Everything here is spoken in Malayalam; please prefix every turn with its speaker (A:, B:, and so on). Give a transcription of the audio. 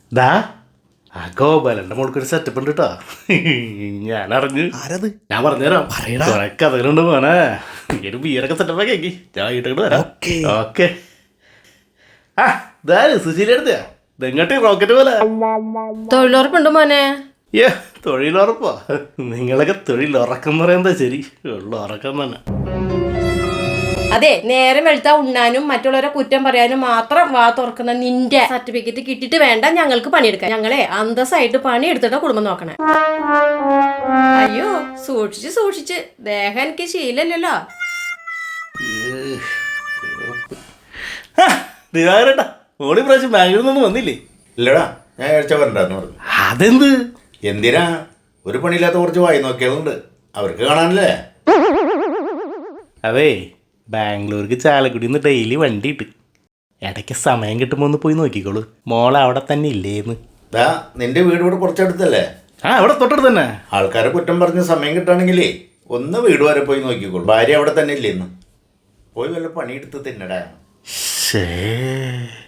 A: ദാ ആ ഗോപാലന്റെ മോൾക്കൊരു സെറ്റപ്പ് ഉണ്ട് കേട്ടോ. ഞാൻ അറിഞ്ഞു.
B: ആരത്?
A: ഞാൻ പറഞ്ഞുതരാം.
B: പറയടാ.
A: കുറെ കഥകളുണ്ട് മോനെ. ഒരു ബിയറൊക്കെ സെറ്റപ്പ് കേക്കി ഞാൻ ഇട്ടിട്ട് വരാം. ഓക്കെ. ആ ഇതാ സുശീല എടുത്തയാ ഇതെങ്ങോട്ട് റോക്കറ്റ് പോലെ.
C: തൊഴിലുറപ്പുണ്ട് മോനെ.
A: ഏ തൊഴിലുറപ്പോ? നിങ്ങളൊക്കെ തൊഴിലുറക്കം പറയുന്നത് ശരി, ഉള്ള ഉറക്കം തന്നെ.
C: അതെ, നേരം വെളുത്താ ഉണ്ണാനും മറ്റുള്ളവരെ കുറ്റം പറയാനും മാത്രം വാ തുറക്കുന്ന നിന്റെ സർട്ടിഫിക്കറ്റ് കിട്ടിയിട്ട് വേണ്ട ഞങ്ങൾക്ക് പണിയെടുക്കാൻ. ഞങ്ങളെ അന്തസ്സായിട്ട് പണിയെടുത്തിട്ട് കുടുംബം നോക്കണേ. അയ്യോ സൂക്ഷിച്ച് സൂക്ഷിച്ച്, ദേഹം എനിക്ക് ശീലല്ലല്ലോ.
A: ദിവാകരേട്ടാ മോളി പ്രാവശ്യം ബാംഗ്ലൂരിൽ നിന്നൊന്നും വന്നില്ലേ?
D: ഇല്ലടാ, ഞാൻ ആഴ്ച വരണ്ടെന്ന് പറഞ്ഞു.
A: അതെന്ത്?
D: എന്തിനാ? ഒരു പണിയില്ലാത്ത കുറച്ച് വായി നോക്കിയതുണ്ട്, അവർക്ക് കാണാനല്ലേ.
A: അതേ ബാംഗ്ലൂർക്ക് ചാലക്കുടി നിന്ന് ഡെയിലി വണ്ടി ഇട്ട് ഇടയ്ക്ക് സമയം കിട്ടുമ്പോൾ ഒന്ന് പോയി നോക്കിക്കോളൂ. മോൾ അവിടെ തന്നെ ഇല്ലേന്ന്.
D: ദാ നിന്റെ വീട് ഇവിടെ കുറച്ചടുത്തല്ലേ?
A: ആ അവിടെ തൊട്ടടുത്ത് തന്നെ.
D: ആൾക്കാരെ കുറ്റം പറഞ്ഞ് സമയം കിട്ടുകയാണെങ്കിലേ ഒന്ന് വീട് വരെ പോയി നോക്കിക്കോളൂ. ഭാര്യ അവിടെ തന്നെ ഇല്ലേന്ന്. പോയി വല്ല പണിയെടുത്ത് തിന്നടാ.
A: ശേ